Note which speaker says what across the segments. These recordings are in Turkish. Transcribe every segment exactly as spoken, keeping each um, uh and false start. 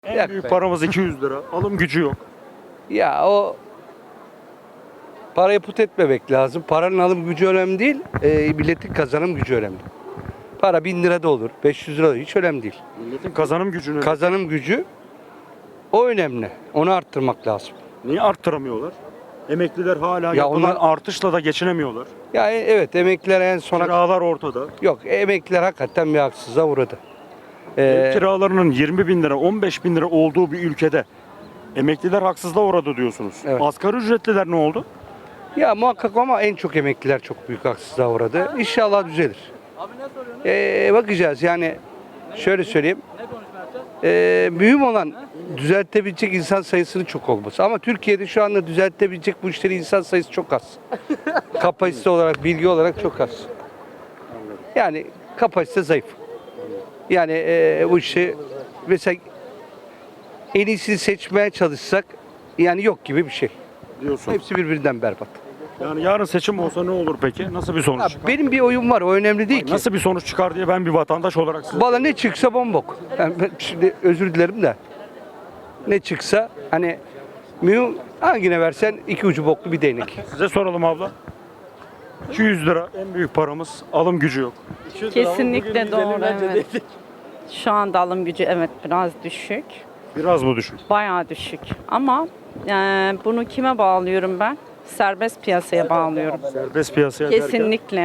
Speaker 1: En
Speaker 2: Yak
Speaker 1: büyük
Speaker 2: be.
Speaker 1: paramız iki yüz lira. Alım gücü yok.
Speaker 2: Ya o parayı put etmemek lazım. Paranın alım gücü önemli değil, e, milletin kazanım gücü önemli. Para bin lira da olur, beş yüz lira da olur, hiç önemli değil.
Speaker 1: Milletin kazanım gücünü
Speaker 2: Kazanım gücü o önemli. Onu arttırmak lazım.
Speaker 1: niye arttıramıyorlar? Emekliler hala
Speaker 2: Ya
Speaker 1: yapılan
Speaker 2: onlar-
Speaker 1: artışla da geçinemiyorlar.
Speaker 2: Yani evet, emekliler en sona...
Speaker 1: Kiralar ortada.
Speaker 2: Yok, emekliler hakikaten bir haksızlığa uğradı.
Speaker 1: Ev
Speaker 2: Ee,
Speaker 1: kiralarının yirmi bin lira, on beş bin lira olduğu bir ülkede emekliler haksızlığa uğradı diyorsunuz.
Speaker 2: Evet.
Speaker 1: Asgari ücretliler ne oldu?
Speaker 2: Ya muhakkak ama en çok emekliler çok büyük haksızlığa uğradı. İnşallah düzelir. Ee, bakacağız yani şöyle söyleyeyim. Ee, mühim olan düzeltebilecek insan sayısının çok olması. Ama Türkiye'de şu anda düzeltebilecek bu işleri insan sayısı çok az. Kapasite olarak, bilgi olarak çok az. Yani kapasite zayıf. Yani ee, bu işi mesela en iyisini seçmeye çalışsak yani yok gibi bir şey.
Speaker 1: Diyorsun.
Speaker 2: Hepsi birbirinden berbat.
Speaker 1: Yani yarın seçim olsa ne olur peki? Nasıl bir sonuç
Speaker 2: Ya
Speaker 1: çıkar?
Speaker 2: benim bir oyun var, o önemli değil ki.
Speaker 1: Nasıl bir sonuç çıkar diye ben bir vatandaş olarak size...
Speaker 2: Valla ne çıksa bombok. Yani ben şimdi özür dilerim de. Ne çıksa hani mühim hangine versen iki ucu boklu bir değnek.
Speaker 1: Size soralım abla. iki yüz lira en büyük paramız, alım gücü yok.
Speaker 3: Kesinlikle doğru, evet. Şu anda alım gücü evet biraz düşük.
Speaker 1: Biraz mı düşük?
Speaker 3: Bayağı düşük. Ama e, bunu kime bağlıyorum ben? Serbest piyasaya bağlıyorum.
Speaker 1: Serbest piyasaya derken
Speaker 3: Kesinlikle.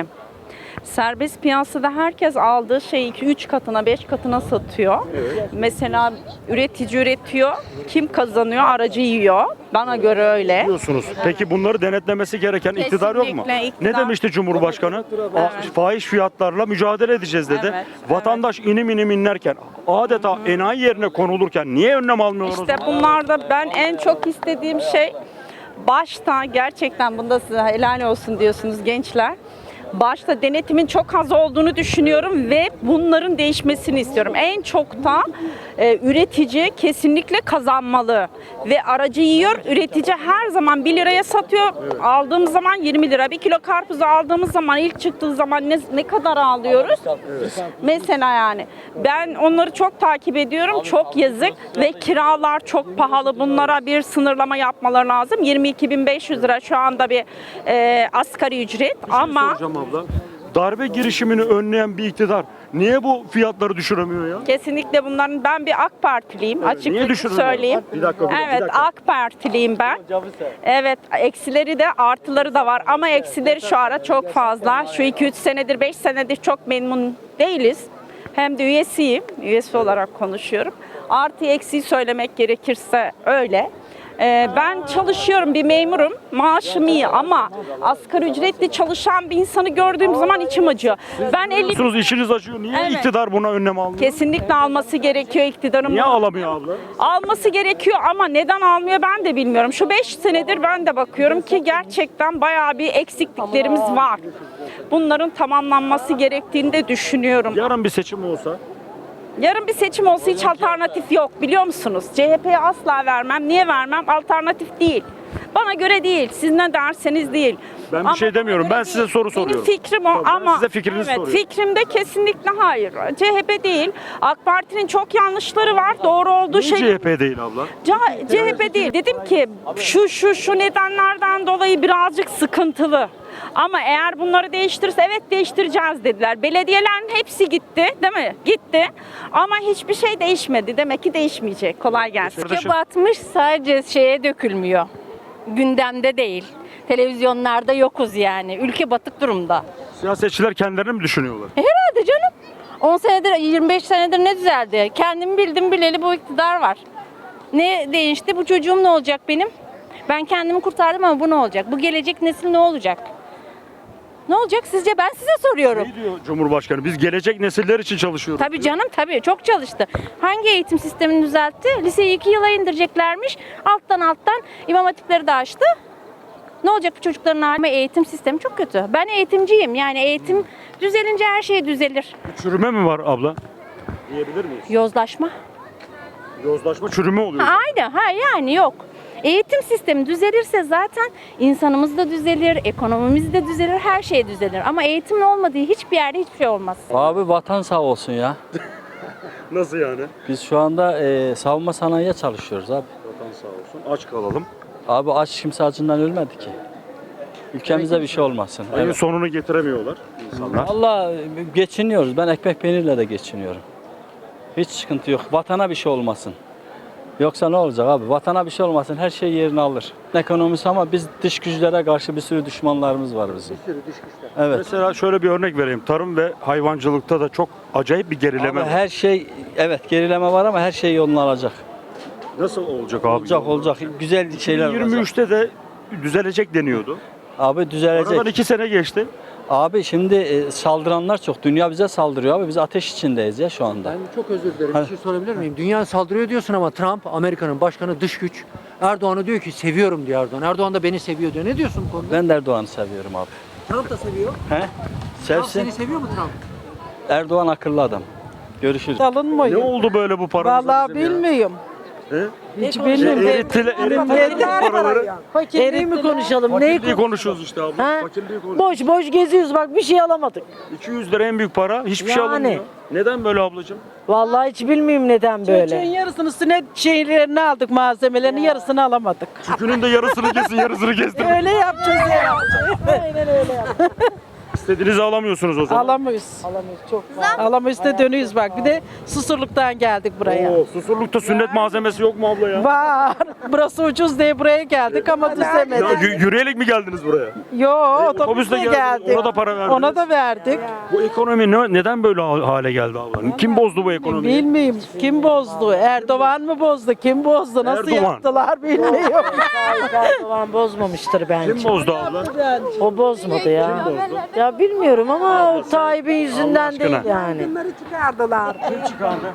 Speaker 3: Serbest piyasada herkes aldığı şeyi iki üç katına, beş katına satıyor. Mesela üretici üretiyor. Kim kazanıyor? Aracı yiyor. Bana göre öyle.
Speaker 1: diyorsunuz. Peki bunları denetlemesi gereken iktidar yok mu?
Speaker 3: Kesinlikle iktidar.
Speaker 1: Ne demişti Cumhurbaşkanı? A- Fahiş fiyatlarla mücadele edeceğiz dedi.
Speaker 3: Evet,
Speaker 1: Vatandaş inim inim inlerken adeta enayi yerine konulurken niye önlem almıyoruz?
Speaker 3: İşte bunlarda ben en çok istediğim şey başta gerçekten bunda size helal olsun diyorsunuz gençler. Başta denetimin çok az olduğunu düşünüyorum ve bunların değişmesini istiyorum. En çok da e, üretici kesinlikle kazanmalı ve aracı yiyor. Üretici her zaman bir liraya satıyor. Aldığımız zaman yirmi lira. Bir kilo karpuzu aldığımız zaman ilk çıktığı zaman ne, ne kadar alıyoruz? Mesela yani ben onları çok takip ediyorum. Çok yazık ve kiralar çok pahalı. Bunlara bir sınırlama yapmaları lazım. yirmi iki bin beş yüz lira şu anda bir e, asgari ücret ama
Speaker 1: Soracağım abla. Darbe girişimini önleyen bir iktidar niye bu fiyatları düşüremiyor ya?
Speaker 3: kesinlikle bunların ben bir AK Partiliyim
Speaker 1: niye
Speaker 3: açıkça
Speaker 1: düşürülüyor?
Speaker 3: söyleyeyim.
Speaker 1: Bir dakika, bir dakika,
Speaker 3: Evet
Speaker 1: bir dakika.
Speaker 3: AK Partiliyim ben. Evet eksileri de artıları da var ama eksileri şu ara çok fazla. Şu iki üç senedir beş senedir çok memnun değiliz. Hem de üyesiyim. Üyesi olarak konuşuyorum. Artı eksiği söylemek gerekirse öyle. Ee, ben çalışıyorum, bir memurum. Maaşım iyi ama asgari ücretli çalışan bir insanı gördüğüm zaman içim acıyor. Ben elli
Speaker 1: Diyorsunuz işiniz acıyor. Niye
Speaker 3: Evet.
Speaker 1: iktidar buna önlem almıyor?
Speaker 3: kesinlikle alması gerekiyor iktidarın.
Speaker 1: Niye
Speaker 3: bunu.
Speaker 1: alamıyor abla?
Speaker 3: Alması gerekiyor ama neden almıyor ben de bilmiyorum. Şu beş senedir ben de bakıyorum ki gerçekten bayağı bir eksikliklerimiz var. Bunların tamamlanması gerektiğini de düşünüyorum.
Speaker 1: Yarın bir seçim olsa
Speaker 3: Yarın bir seçim olsa hiç alternatif yok biliyor musunuz? C H P'ye asla vermem. Niye vermem? Alternatif değil. Bana göre değil. Siz ne derseniz değil.
Speaker 1: ben bir
Speaker 3: Ama
Speaker 1: şey
Speaker 3: bana
Speaker 1: demiyorum.
Speaker 3: göre
Speaker 1: Ben size soru soruyorum.
Speaker 3: Benim fikrim o
Speaker 1: Tamam, ben
Speaker 3: ama
Speaker 1: size fikrinizi
Speaker 3: evet,
Speaker 1: soruyorum.
Speaker 3: fikrimde kesinlikle hayır. C H P değil. AK Parti'nin çok yanlışları var. Doğru olduğu
Speaker 1: Niye
Speaker 3: şey.
Speaker 1: C H P değil abla?
Speaker 3: C- CHP değil. Dedim ki şu şu şu nedenlerden dolayı birazcık sıkıntılı. Ama eğer bunları değiştirirse evet değiştireceğiz dediler. Belediyelerin hepsi gitti değil mi? Gitti. Ama hiçbir şey değişmedi. Demek ki değişmeyecek. Kolay gelsin.
Speaker 1: Kardeşim.
Speaker 4: Batmış sadece şeye dökülmüyor. Gündemde değil. Televizyonlarda yokuz yani. Ülke batık durumda.
Speaker 1: Siyasetçiler kendilerini mi düşünüyorlar?
Speaker 4: Hadi canım. on senedir, yirmi beş senedir ne düzeldi? Kendimi bildim bileli bu iktidar var. Ne değişti? Bu çocuğum ne olacak benim? Ben kendimi kurtardım ama bu ne olacak? Bu gelecek nesil ne olacak? Ne olacak sizce? Ben size soruyorum.
Speaker 1: Ne diyor Cumhurbaşkanı? Biz gelecek nesiller için çalışıyoruz.
Speaker 4: Tabii canım tabii çok çalıştı. Hangi eğitim sistemini düzeltti? Liseyi iki yıla indireceklermiş. Alttan alttan imam hatipleri de açtı. Ne olacak bu çocukların hali? Ama eğitim sistemi çok kötü. Ben eğitimciyim. Yani eğitim düzelince her şey düzelir.
Speaker 1: Çürüme mi var abla? Diyebilir miyiz?
Speaker 4: Yozlaşma.
Speaker 1: Yozlaşma çürüme oluyor.
Speaker 4: Ha, aynı. Ha yani yok. Eğitim sistemi düzelirse zaten insanımız da düzelir, ekonomimiz de düzelir, her şey düzelir. Ama eğitimin olmadığı hiçbir yerde hiçbir şey olmaz.
Speaker 5: Abi vatan sağ olsun ya.
Speaker 1: Nasıl yani?
Speaker 5: Biz şu anda e, savunma sanayiye çalışıyoruz abi.
Speaker 1: Vatan sağ olsun. Aç kalalım.
Speaker 5: Abi aç kimse acından ölmedi ki. Ülkemize bir şey olmasın.
Speaker 1: Ayın
Speaker 5: Evet.
Speaker 1: sonunu getiremiyorlar insanlar.
Speaker 5: Valla geçiniyoruz. Ben ekmek peynirle de geçiniyorum. Hiç sıkıntı yok. Vatana bir şey olmasın. Yoksa ne olacak abi? Vatana bir şey olmasın. Her şey yerini alır. Ekonomisi ama biz dış güçlere karşı bir sürü düşmanlarımız var bizim. Bir sürü dış güçler. Evet.
Speaker 1: Mesela şöyle bir örnek vereyim. Tarım ve hayvancılıkta da çok acayip bir gerileme
Speaker 5: Abi
Speaker 1: var.
Speaker 5: her şey evet gerileme var ama her şey yolunu alacak.
Speaker 1: Nasıl olacak abi?
Speaker 5: Olacak olacak. Güzel şeyler olacak.
Speaker 1: yirmi üçte de düzelecek deniyordu.
Speaker 5: Abi düzelecek.
Speaker 1: Aradan iki sene geçti.
Speaker 5: Abi şimdi e, saldıranlar çok. Dünya bize saldırıyor abi. Biz ateş içindeyiz ya şu anda.
Speaker 6: Ben çok özür dilerim.
Speaker 5: Ha.
Speaker 6: Bir şey sorabilir miyim? Dünya saldırıyor diyorsun ama Trump, Amerika'nın başkanı, dış güç. Erdoğan'a diyor ki seviyorum diyor Erdoğan. Erdoğan da beni seviyor diyor. Ne diyorsun bu konuda?
Speaker 5: Ben de Erdoğan'ı seviyorum abi.
Speaker 6: Trump da seviyor.
Speaker 5: He?
Speaker 6: Trump
Speaker 5: Sevsin.
Speaker 6: seni seviyor mu Trump?
Speaker 5: Erdoğan akıllı adam. Görüşürüz.
Speaker 1: Ne
Speaker 7: Alınmıyor.
Speaker 1: oldu böyle bu paramıza
Speaker 7: Vallahi
Speaker 1: bizim ya?
Speaker 7: bilmiyorum.
Speaker 1: He?
Speaker 7: Hiç
Speaker 1: Şey,
Speaker 7: bilmiyorum.
Speaker 1: erittiler, erittiler bu paraları.
Speaker 8: Fakirliği mi konuşalım? Neyi
Speaker 1: Fakirliği
Speaker 8: kon-
Speaker 1: konuşuyoruz işte abla.
Speaker 8: Ha?
Speaker 1: Fakirliği konuşuyoruz.
Speaker 8: Boş boş geziyoruz bak bir şey alamadık.
Speaker 1: iki yüz lira en büyük para. Hiçbir şey
Speaker 8: Yani.
Speaker 1: alınmıyor. Neden böyle ablacığım?
Speaker 8: Vallahi hiç bilmiyorum neden
Speaker 7: Çocuğun
Speaker 8: böyle.
Speaker 7: yarısını sünet şeylerini aldık, malzemelerini yarısını alamadık.
Speaker 1: Çükünün de yarısını kesin, yarısını kestin.
Speaker 7: Öyle yapacağız ya.
Speaker 8: Aynen öyle yap.
Speaker 1: İstediğinizi alamıyorsunuz o zaman.
Speaker 7: Alamayız.
Speaker 8: Alamayız çok.
Speaker 7: Alamayız da dönüyoruz bak. Bir de Susurluk'tan geldik buraya.
Speaker 1: Oo, Susurluk'ta sünnet malzemesi yok mu abla ya?
Speaker 7: Var. Burası ucuz diye buraya geldik ama
Speaker 1: Ya,
Speaker 7: düzemedik.
Speaker 1: yü- yürüyerek mi geldiniz buraya?
Speaker 7: Yo,
Speaker 1: otobüsle
Speaker 7: otobüsle
Speaker 1: geldiniz,
Speaker 7: geldik.
Speaker 1: ona da para verdiniz.
Speaker 7: Ona da verdik.
Speaker 1: Bu ekonomi ne, neden böyle ha- hale geldi abla? Kim bozdu bu ekonomiyi?
Speaker 7: Bilmiyorum kim bozdu? Erdoğan mı bozdu? Kim bozdu? Nasıl
Speaker 1: Erdoğan.
Speaker 7: yaptılar bilmiyorum.
Speaker 8: Erdoğan bozmamıştır bence.
Speaker 1: Kim bozdu abla?
Speaker 8: O bozmadı ya. Ya bilmiyorum ama Tayyip'in yüzünden
Speaker 1: aşkına.
Speaker 8: değil yani.
Speaker 9: Bunları çıkardılar.
Speaker 1: Kim çıkardı?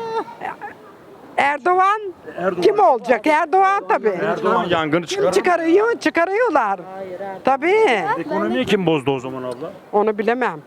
Speaker 9: Erdoğan,
Speaker 1: Erdoğan.
Speaker 9: kim olacak? Erdoğan tabii.
Speaker 1: Erdoğan yangını
Speaker 9: Kim
Speaker 1: çıkardı.
Speaker 9: çıkarıyor? Çıkarıyorlar. Tabii.
Speaker 1: Ekonomiyi kim bozdu o zaman abla?
Speaker 9: Onu bilemem.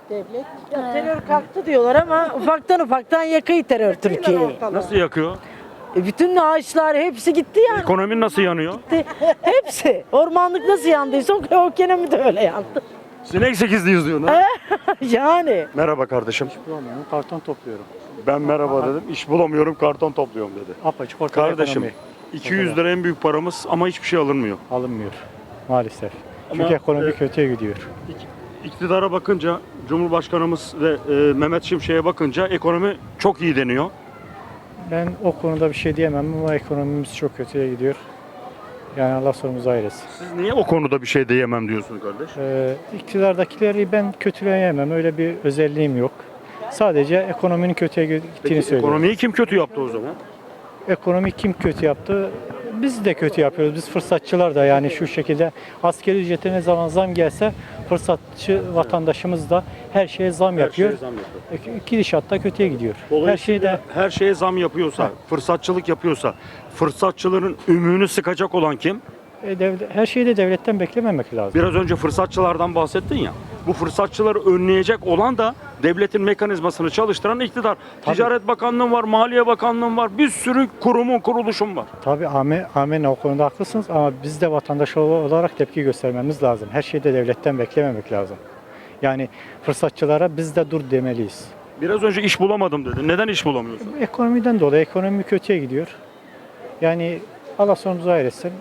Speaker 8: Ya terör kalktı diyorlar ama ufaktan ufaktan yakıyor terör Türkiye'yi.
Speaker 1: Nasıl yakıyor?
Speaker 8: E bütün ağaçlar hepsi gitti yani.
Speaker 1: Ekonomi nasıl yanıyor?
Speaker 8: Hepsi. Ormanlık nasıl yandıysa o o ekonomi de öyle yandı.
Speaker 1: Sinek sekizliyiz diyorsun ha?
Speaker 8: Yani.
Speaker 1: Merhaba kardeşim.
Speaker 10: Bulamıyorum, karton topluyorum.
Speaker 1: Ben merhaba dedim. İş bulamıyorum, karton topluyorum dedi.
Speaker 10: Apaçık ortada
Speaker 1: Kardeşim
Speaker 10: ekonomi
Speaker 1: iki yüz lira en büyük paramız ama hiçbir şey alınmıyor.
Speaker 10: alınmıyor maalesef.
Speaker 1: Ama,
Speaker 10: Çünkü ekonomi
Speaker 1: e,
Speaker 10: kötüye gidiyor.
Speaker 1: İk- İktidara bakınca, Cumhurbaşkanımız ve e, Mehmet Şimşek'e bakınca ekonomi çok iyi deniyor.
Speaker 10: Ben o konuda bir şey diyemem ama ekonomimiz çok kötüye gidiyor. Yani Allah sonumuzu ayırsın.
Speaker 1: Siz niye o konuda bir şey diyemem diyorsunuz kardeş?
Speaker 10: Ee, iktidardakileri ben kötüleyemem. Öyle bir özelliğim yok. Sadece ekonominin kötüye gittiğini
Speaker 1: Peki
Speaker 10: söylüyorum.
Speaker 1: ekonomiyi kim kötü yaptı o zaman?
Speaker 10: Ekonomi kim kötü yaptı? Biz de kötü yapıyoruz. Biz fırsatçılar da yani şu şekilde askeri ücrete ne zaman zam gelse fırsatçı vatandaşımız da her şeye zam yapıyor.
Speaker 1: Her şeye zam yapıyor.
Speaker 10: E, Gidişat da kötüye gidiyor. Her
Speaker 1: Dolayısıyla
Speaker 10: şeyde
Speaker 1: her şeye zam yapıyorsa, fırsatçılık yapıyorsa, fırsatçıların ümüğünü sıkacak olan kim?
Speaker 10: e, devlet, her şeyi de devletten beklememek lazım.
Speaker 1: Biraz önce fırsatçılardan bahsettin ya. Bu fırsatçıları önleyecek olan da devletin mekanizmasını çalıştıran iktidar.
Speaker 10: Tabii.
Speaker 1: Ticaret Bakanlığı var, Maliye Bakanlığı var, bir sürü kurumun, kuruluşun var.
Speaker 10: Tabii amen, amen o konuda haklısınız ama biz de vatandaş olarak tepki göstermemiz lazım. Her şeyi de devletten beklememek lazım. Yani fırsatçılara biz de dur demeliyiz.
Speaker 1: Biraz önce iş bulamadım dedin. Neden iş bulamıyorsun?
Speaker 10: Ekonomiden dolayı ekonomi kötüye gidiyor. Yani Allah sonumuzu hayretsin.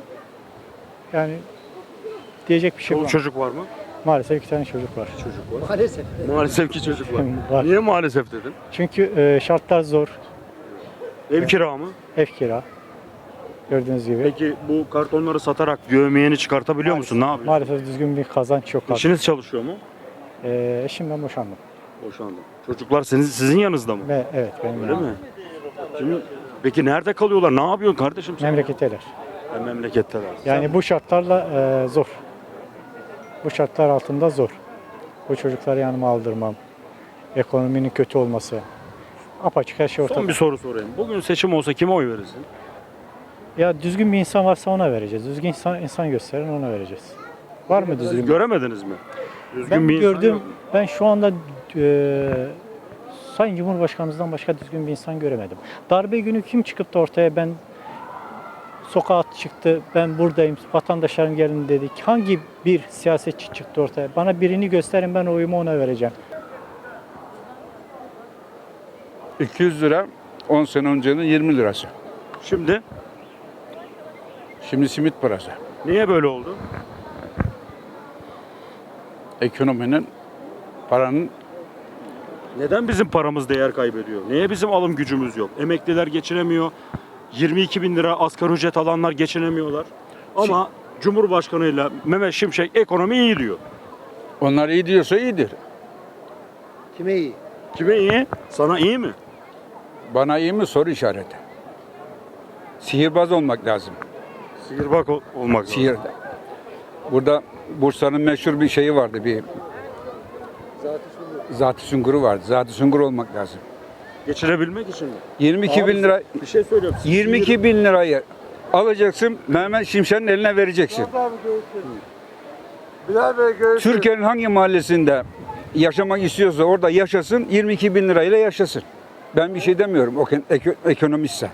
Speaker 10: Yani diyecek bir şey
Speaker 1: Çoluk
Speaker 10: yok.
Speaker 1: çocuk var mı?
Speaker 10: Maalesef iki tane çocuk var.
Speaker 1: Çocuk var.
Speaker 6: Maalesef.
Speaker 1: Maalesef ki çocuk var.
Speaker 10: Var.
Speaker 1: Niye maalesef dedin?
Speaker 10: Çünkü e, şartlar zor.
Speaker 1: Ev kira mı?
Speaker 10: Ev kira. Gördüğünüz gibi.
Speaker 1: Peki bu kartonları satarak yövmeyeni çıkartabiliyor musun? Ne yapıyorsun?
Speaker 10: Maalesef düzgün bir kazanç yok.
Speaker 1: Eşiniz çalışıyor mu?
Speaker 10: E, eşimden boşandım.
Speaker 1: Boşandı. Çocuklar sizin, sizin yanınızda mı?
Speaker 10: Ve evet benim
Speaker 1: Öyle
Speaker 10: yani.
Speaker 1: mi? Şimdi, peki nerede kalıyorlar? Ne yapıyorsun kardeşim sen?
Speaker 10: Memleketteler.
Speaker 1: Ha, memleketteler.
Speaker 10: Yani bu şartlarla e, zor. Bu şartlar altında zor. Bu çocukları yanıma aldırmam. Ekonominin kötü olması. Apaçık her şey ortada.
Speaker 1: Son bir soru sorayım. Bugün seçim olsa kime oy verirsin?
Speaker 10: Ya düzgün bir insan varsa ona vereceğiz. Düzgün insan, insan gösteren ona vereceğiz. Var mı düzgün?
Speaker 1: Siz göremediniz mi? Düzgün
Speaker 10: Ben
Speaker 1: bir insan
Speaker 10: gördüm.
Speaker 1: yok mu?
Speaker 10: Ben şu anda e, Sayın Cumhurbaşkanımızdan başka düzgün bir insan göremedim. Darbe günü kim çıkıp da ortaya ben sokağa çıktı, ben buradayım, vatandaşlarım gelin dedik. Hangi bir siyasetçi çıktı ortaya? Bana birini gösterin, ben oyumu ona vereceğim.
Speaker 11: iki yüz lira on sene öncenin yirmi lirası.
Speaker 1: Şimdi
Speaker 11: Şimdi simit parası.
Speaker 1: niye böyle oldu?
Speaker 11: Ekonominin, paranın
Speaker 1: Neden bizim paramız değer kaybediyor? Niye bizim alım gücümüz yok? Emekliler geçinemiyor. yirmi iki bin lira asgari ücret alanlar geçinemiyorlar. Ama Cumhurbaşkanıyla Mehmet Şimşek ekonomi iyi diyor.
Speaker 11: onlar iyi diyorsa iyidir.
Speaker 2: Kime iyi?
Speaker 1: Kime iyi? Sana iyi mi?
Speaker 11: Bana iyi mi soru işareti. Sihirbaz olmak lazım.
Speaker 1: Sihirbaz ol- olmak lazım.
Speaker 11: Sihir. Burada Bursa'nın meşhur bir şeyi vardı bir. Zat-ı Sungur'u vardı. Zat-ı Sungur olmak lazım.
Speaker 1: Geçirebilmek için mi?
Speaker 11: yirmi iki bin lira,
Speaker 1: Bir şey söylüyorum. Siz
Speaker 11: yirmi iki bin lirayı alacaksın, Mehmet Şimşek'in eline vereceksin. Türkiye'nin hangi mahallesinde yaşamak istiyorsa orada yaşasın, yirmi iki bin lirayla yaşasın. Ben bir şey demiyorum, o ek- ekonomistse.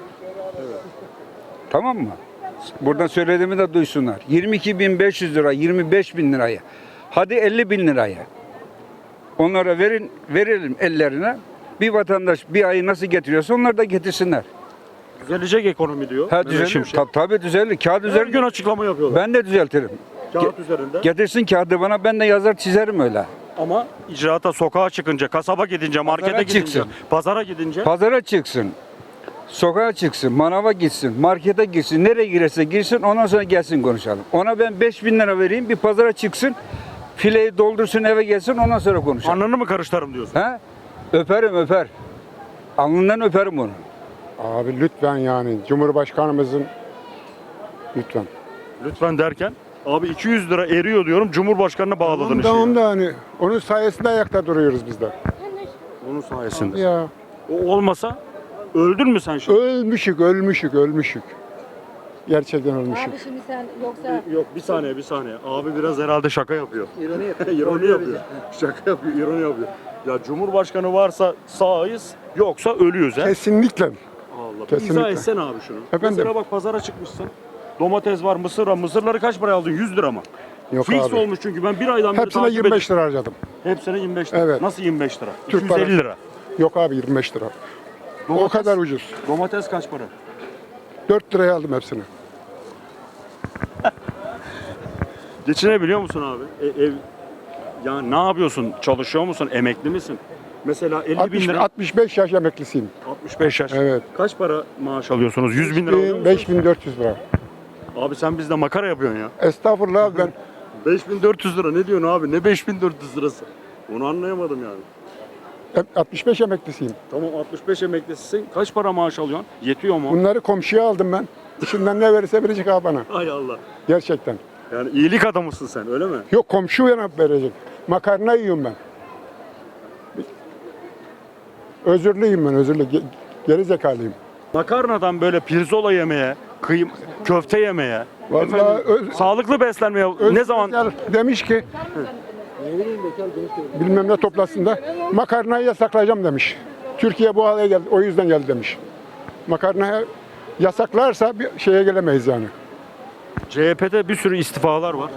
Speaker 11: Tamam mı? Buradan söylediğimi de duysunlar. yirmi iki bin beş yüz lira, yirmi beş bin liraya, hadi elli bin liraya. Onlara verin, verelim ellerine. Bir vatandaş bir ayı nasıl getiriyorsa onlar da getirsinler.
Speaker 1: Düzelecek ekonomi diyor.
Speaker 11: Ha
Speaker 1: Mehmet
Speaker 11: düzelir.
Speaker 1: Şimşek.
Speaker 11: Ta, tabii düzelir. Kağıt
Speaker 1: Her
Speaker 11: üzerinde.
Speaker 1: gün açıklama yapıyorlar.
Speaker 11: Ben de düzeltirim.
Speaker 1: Kağıt üzerinde.
Speaker 11: Getirsin kağıdı bana, ben de yazar çizerim öyle.
Speaker 1: Ama icraata, sokağa çıkınca, kasaba gidince, markete
Speaker 11: Pazara
Speaker 1: gidince,
Speaker 11: çıksın.
Speaker 1: pazara gidince
Speaker 11: Pazara çıksın. Sokağa çıksın, manava gitsin, markete gitsin, nereye girerse girsin, ondan sonra gelsin konuşalım. Ona ben beş bin lira vereyim, bir pazara çıksın, fileyi doldursun, eve gelsin, ondan sonra konuşalım.
Speaker 1: alnını mı karıştırırım diyorsun?
Speaker 11: He? Öperim öper. Alnından öperim onu.
Speaker 12: Abi lütfen yani Cumhurbaşkanımızın lütfen.
Speaker 1: Lütfen derken abi iki yüz lira eriyor diyorum, Cumhurbaşkanına bağladın
Speaker 12: Tamam
Speaker 1: işte.
Speaker 12: tamam da hani onun sayesinde ayakta duruyoruz biz de.
Speaker 1: Onun sayesinde.
Speaker 12: Ya
Speaker 1: O olmasa öldün mü sen şimdi?
Speaker 12: ölmüşük ölmüşük ölmüşük. Gerçekten ölmüşük.
Speaker 4: şimdi sen yoksa
Speaker 1: Yok bir saniye bir saniye. Abi biraz herhalde şaka yapıyor. İroni yapıyor. ironi yapıyor. Şaka yapıyor, ironi yapıyor. Ya Cumhurbaşkanı varsa sağız, yoksa ölüyoruz he.
Speaker 12: Kesinlikle.
Speaker 1: Allah. Bir
Speaker 12: Kesinlikle.
Speaker 1: izah etsene abi şunu.
Speaker 12: Efendim?
Speaker 1: Mesela bak pazara çıkmışsın. Domates var, mısır var. Mısırları kaç paraya aldın? yüz lira mı?
Speaker 12: Yok
Speaker 1: Fix
Speaker 12: abi.
Speaker 1: olmuş çünkü ben bir aydan beri
Speaker 12: Hepsine
Speaker 1: takip
Speaker 12: yirmi beş
Speaker 1: ediyorum.
Speaker 12: lira harcadım.
Speaker 1: Hepsine yirmi beş lira.
Speaker 12: Evet.
Speaker 1: Nasıl yirmi beş lira?
Speaker 12: Türk
Speaker 1: iki yüz elli
Speaker 12: parası.
Speaker 1: lira.
Speaker 12: Yok abi yirmi beş lira. O
Speaker 1: Domates-
Speaker 12: kadar ucuz.
Speaker 1: Domates kaç para?
Speaker 12: dört liraya aldım hepsini.
Speaker 1: Geçinebiliyor musun abi? E, ev ya ne yapıyorsun? Çalışıyor musun? Emekli misin? Mesela elli bin
Speaker 12: altmış,
Speaker 1: lira.
Speaker 12: altmış beş yaş emeklisiyim.
Speaker 1: altmış beş yaş.
Speaker 12: Evet.
Speaker 1: Kaç para maaş alıyorsunuz? yüz bin lira alıyor musun?
Speaker 12: beş bin dört yüz lira.
Speaker 1: Abi sen bizde makara yapıyorsun ya.
Speaker 12: Estağfurullah abi ben
Speaker 1: beş bin dört yüz lira ne diyorsun abi? Ne beş bin dört yüz lirası? Onu anlayamadım yani.
Speaker 12: altmış beş emeklisiyim.
Speaker 1: Tamam altmış beş emeklisisin. Kaç para maaş alıyorsun? Yetiyor mu?
Speaker 12: Bunları komşuya aldım ben. İçinden ne verirse verecek abi bana.
Speaker 1: Hay Allah.
Speaker 12: Gerçekten.
Speaker 1: Yani iyilik adamısın sen öyle mi?
Speaker 12: Yok komşu yanıp verecek. Makarna yiyorum ben. Özürlüyüm ben özürlü. Ge- Geri zekalıyım.
Speaker 1: Makarnadan böyle pirzola yemeye, kıyım, köfte yemeye,
Speaker 12: Vallahi
Speaker 1: efendim,
Speaker 12: öz-
Speaker 1: sağlıklı beslenmeye
Speaker 12: Öz-
Speaker 1: ne zaman
Speaker 12: Bekar demiş ki bilmem ne toplasında makarnayı yasaklayacağım demiş. Türkiye bu hale geldi. O yüzden geldi demiş. Makarnayı yasaklarsa bir şeye gelemeyiz yani.
Speaker 1: C H P'de bir sürü istifalar var.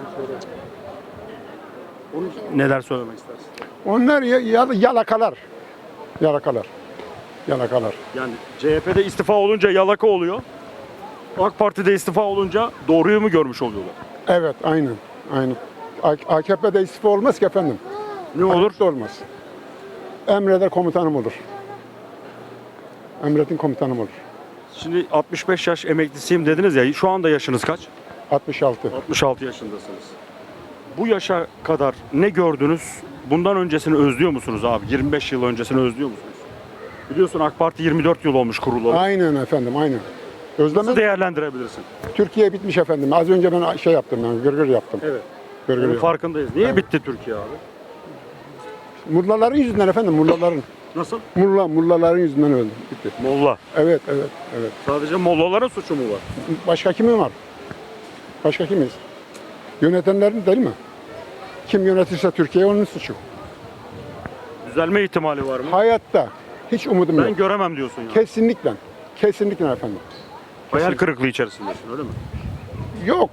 Speaker 1: Onu neler söylemek istersin?
Speaker 12: Onlar ya- ya- yalakalar. Yalakalar. Yalakalar.
Speaker 1: Yani C H P'de istifa olunca yalaka oluyor. AK Parti'de istifa olunca doğruyu mu görmüş oluyorlar?
Speaker 12: Evet, aynen. Aynen. A- AKP'de istifa olmaz ki efendim.
Speaker 1: Ne olur?
Speaker 12: Hayatta olmaz. Emreder komutanım olur. Emredin komutanım olur.
Speaker 1: Şimdi altmış beş yaş emeklisiyim dediniz ya. Şu anda yaşınız kaç?
Speaker 12: altmış altı.
Speaker 1: altmış altı yaşındasınız. Bu yaşa kadar ne gördünüz? Bundan öncesini özlüyor musunuz abi? yirmi beş yıl öncesini özlüyor musunuz? Biliyorsun AK Parti yirmi dört yıl olmuş kurulalı.
Speaker 12: Aynen efendim, aynen. Özleme
Speaker 1: Nasıl değerlendirebilirsin?
Speaker 12: Türkiye bitmiş efendim. Az önce ben şey yaptım, yani gırgır yaptım.
Speaker 1: Evet.
Speaker 12: Gırgır
Speaker 1: Bunun
Speaker 12: yaptım.
Speaker 1: farkındayız. Niye bitti Türkiye abi?
Speaker 12: Mullaların yüzünden efendim, mullaların.
Speaker 1: Nasıl?
Speaker 12: Mulla, mullaların yüzünden öldü. Bitti.
Speaker 1: Molla.
Speaker 12: Evet, evet, evet.
Speaker 1: Sadece mollaların suçu mu var?
Speaker 12: Başka kimin var? Başka kimiz? Yönetenlerin değil mi? Kim yönetirse Türkiye onun suçu.
Speaker 1: Düzelme ihtimali var mı?
Speaker 12: Hayatta hiç umudum
Speaker 1: Ben
Speaker 12: yok.
Speaker 1: göremem diyorsun yani.
Speaker 12: Kesinlikle. Kesinlikle efendim.
Speaker 1: Hayal kırıklığı içerisindesin öyle mi?
Speaker 12: Yok.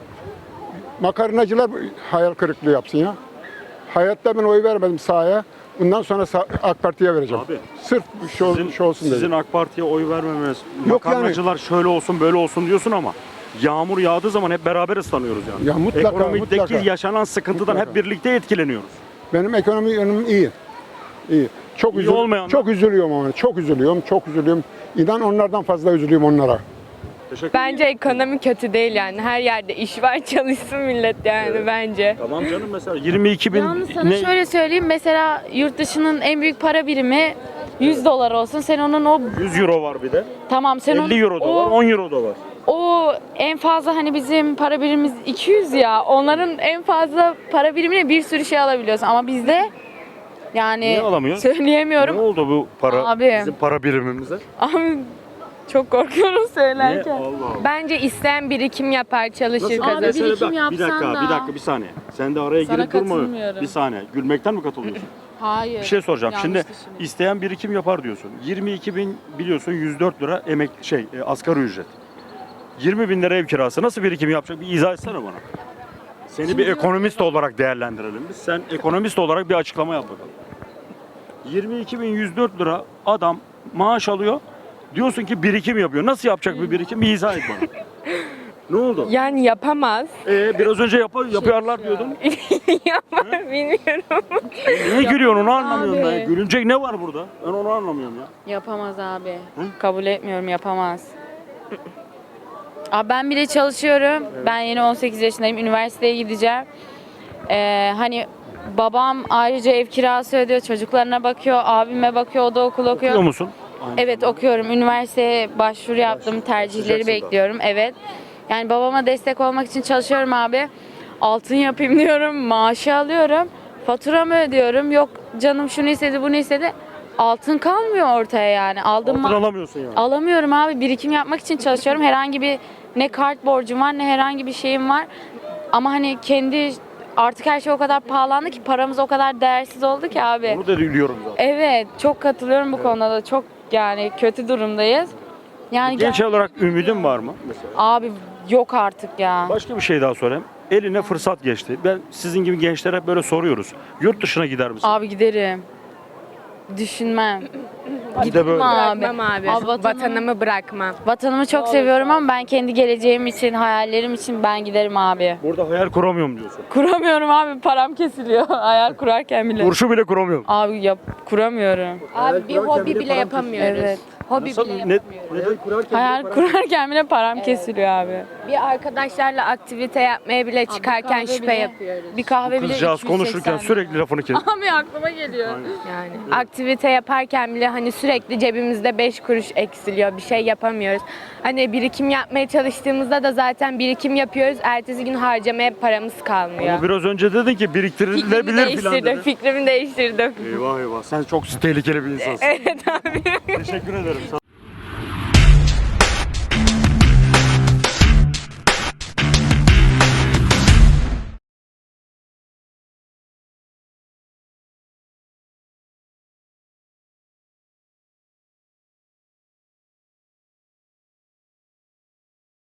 Speaker 12: Makarnacılar hayal kırıklığı yapsın ya. Hayatta ben oy vermedim sahaya. Bundan sonra sa- AK Parti'ye vereceğim.
Speaker 1: Abi,
Speaker 12: Sırf şu, ol-
Speaker 1: Sizin,
Speaker 12: şu olsun
Speaker 1: sizin
Speaker 12: dedim.
Speaker 1: AK Parti'ye oy vermemeniz,
Speaker 12: Yok yani.
Speaker 1: makarnacılar şöyle olsun böyle olsun diyorsun ama yağmur yağdığı zaman hep beraber ıslanıyoruz yani.
Speaker 12: Ya mutlaka,
Speaker 1: Ekonomideki
Speaker 12: mutlaka.
Speaker 1: yaşanan sıkıntıdan
Speaker 12: Mutlaka.
Speaker 1: hep birlikte etkileniyoruz.
Speaker 12: Benim ekonomi yönüm iyi. İyi. Çok
Speaker 1: İyi
Speaker 12: üzül-
Speaker 1: olmayanlar?
Speaker 12: çok üzülüyorum ama çok üzülüyorum, çok üzülüyorum. İnan onlardan fazla üzülüyorum onlara.
Speaker 1: Teşekkür
Speaker 13: Bence ekonomi kötü değil yani. Her yerde iş var, çalışsın millet yani bence.
Speaker 1: Tamam canım, mesela yirmi iki bin
Speaker 4: Yalnız sana
Speaker 1: ne?
Speaker 4: şöyle söyleyeyim. Mesela yurt dışının en büyük para birimi yüz dolar olsun. Sen onun o
Speaker 1: yüz euro var bir de.
Speaker 4: tamam sen onun
Speaker 1: elli euro da
Speaker 4: o,
Speaker 1: var, on euro da var.
Speaker 4: o en fazla hani bizim para birimimiz iki yüz ya. Onların en fazla para birimine bir sürü şey alabiliyorsun ama bizde yani
Speaker 1: Niye alamıyoruz?
Speaker 4: söyleyemiyorum.
Speaker 1: Ne oldu bu para,
Speaker 4: Abi.
Speaker 1: bizim para birimimize?
Speaker 4: Abi çok korkuyorum
Speaker 1: Niye?
Speaker 4: söylerken.
Speaker 1: Allah Allah.
Speaker 13: Bence isteyen birikim yapar, çalışır,
Speaker 1: Nasıl?
Speaker 13: kazanır.
Speaker 4: Abi, birikim
Speaker 1: Mesela bak, bir
Speaker 4: yapsan
Speaker 1: dakika,
Speaker 4: da.
Speaker 1: bir dakika, bir saniye. Sen de araya
Speaker 4: Sana
Speaker 1: girip durma.
Speaker 4: katılmıyorum.
Speaker 1: Bir saniye. Gülmekten mi katılıyorsun?
Speaker 4: Hayır.
Speaker 1: Bir şey soracağım.
Speaker 4: yanlış
Speaker 1: Şimdi
Speaker 4: düşünüyorum.
Speaker 1: isteyen birikim yapar diyorsun. yirmi iki bin biliyorsun yüz dört lira emek şey e, asgari ücret. yirmi bin lira ev kirası nasıl birikim yapacak? Bir izah etsene bana. Seni bir ekonomist olarak değerlendirelim biz. Sen ekonomist olarak bir açıklama yap bakalım. yirmi iki bin yüz dört lira adam maaş alıyor. Diyorsun ki birikim yapıyor. Nasıl yapacak bir birikim? Bir izah et bana. Ne oldu?
Speaker 13: Yani yapamaz.
Speaker 1: Ee, biraz önce yapar, yapıyorlar diyordun.
Speaker 13: Yapar, bilmiyorum.
Speaker 1: Niye gülüyorsun onu anlamıyorum
Speaker 4: Abi.
Speaker 1: ben. Gülünecek ne var burada? Ben onu anlamıyorum ya.
Speaker 4: Yapamaz abi. Kabul etmiyorum, yapamaz. Abi ben bile çalışıyorum. Ben yeni on sekiz yaşındayım. Üniversiteye gideceğim. Ee, hani babam ayrıca ev kirası ödüyor. Çocuklarına bakıyor. Abime bakıyor. O da okul okuyor.
Speaker 1: Okuyor musun?
Speaker 4: Evet okuyorum. Üniversiteye başvuru yaptım. Tercihleri
Speaker 1: Sıcak suda.
Speaker 4: bekliyorum. Evet. Yani babama destek olmak için çalışıyorum abi. Altın yapayım diyorum. Maaşı alıyorum. Faturamı ödüyorum. Yok canım şunu istedi bunu istedi. Altın kalmıyor ortaya yani. Aldığım
Speaker 1: Altın
Speaker 4: ma-
Speaker 1: alamıyorsun yani.
Speaker 4: Alamıyorum abi. Birikim yapmak için çalışıyorum. Herhangi bir ne kart borcum var ne herhangi bir şeyim var. Ama hani kendi artık her şey o kadar pahalandı ki paramız o kadar değersiz oldu ki abi.
Speaker 1: Onu da biliyorum zaten.
Speaker 4: Evet, çok katılıyorum bu konuda da. Çok yani kötü durumdayız. Yani
Speaker 1: Genç
Speaker 4: gel-
Speaker 1: olarak ümidin var mı mesela?
Speaker 4: abi yok artık ya.
Speaker 1: Başka bir şey daha sorayım. Eline fırsat geçti. Ben sizin gibi gençlere hep böyle soruyoruz. Yurt dışına gider misin?
Speaker 4: Abi giderim. Düşünmem.
Speaker 1: Bir de böyle.
Speaker 4: Abi.
Speaker 13: Bırakmam abi.
Speaker 4: Abi vatanım-
Speaker 13: Vatanımı bırakmam.
Speaker 4: Vatanımı çok seviyorum ama ben kendi geleceğim için, hayallerim için ben giderim abi.
Speaker 1: Burada hayal kuramıyorum diyorsun.
Speaker 4: Kuramıyorum abi, param kesiliyor hayal kurarken bile.
Speaker 1: Kurşu bile kuramıyorum.
Speaker 4: Abi yap kuramıyorum.
Speaker 13: Abi bir hobi bile yapamıyoruz.
Speaker 4: Evet.
Speaker 13: Hobi
Speaker 1: Nasıl?
Speaker 13: bile
Speaker 1: Ne,
Speaker 13: yapamıyoruz.
Speaker 1: ne,
Speaker 4: Hayal kurarken bile param kesiliyor abi.
Speaker 13: Bir arkadaşlarla aktivite yapmaya bile çıkarken
Speaker 4: kahve
Speaker 13: şüphe
Speaker 4: bile-
Speaker 13: yapıyoruz.
Speaker 4: Bir kahve bile
Speaker 1: Kızcağız
Speaker 4: iki yüz seksen
Speaker 1: konuşurken
Speaker 4: lira.
Speaker 1: sürekli lafını kes.
Speaker 4: Abi aklıma geliyor.
Speaker 13: Yani aktivite yaparken bile hani sürekli cebimizde beş kuruş eksiliyor. Bir şey yapamıyoruz. Hani birikim yapmaya çalıştığımızda da zaten birikim yapıyoruz. Ertesi gün harcamaya paramız kalmıyor.
Speaker 1: Ama biraz önce dedin ki
Speaker 13: Fikrimi
Speaker 1: biriktirilebilir falan
Speaker 13: değiştirdim.
Speaker 1: dedin.
Speaker 13: Fikrimi değiştirdim.
Speaker 1: Eyvah eyvah. Sen çok tehlikeli bir insansın.
Speaker 13: Evet abi.
Speaker 1: Teşekkür ederim.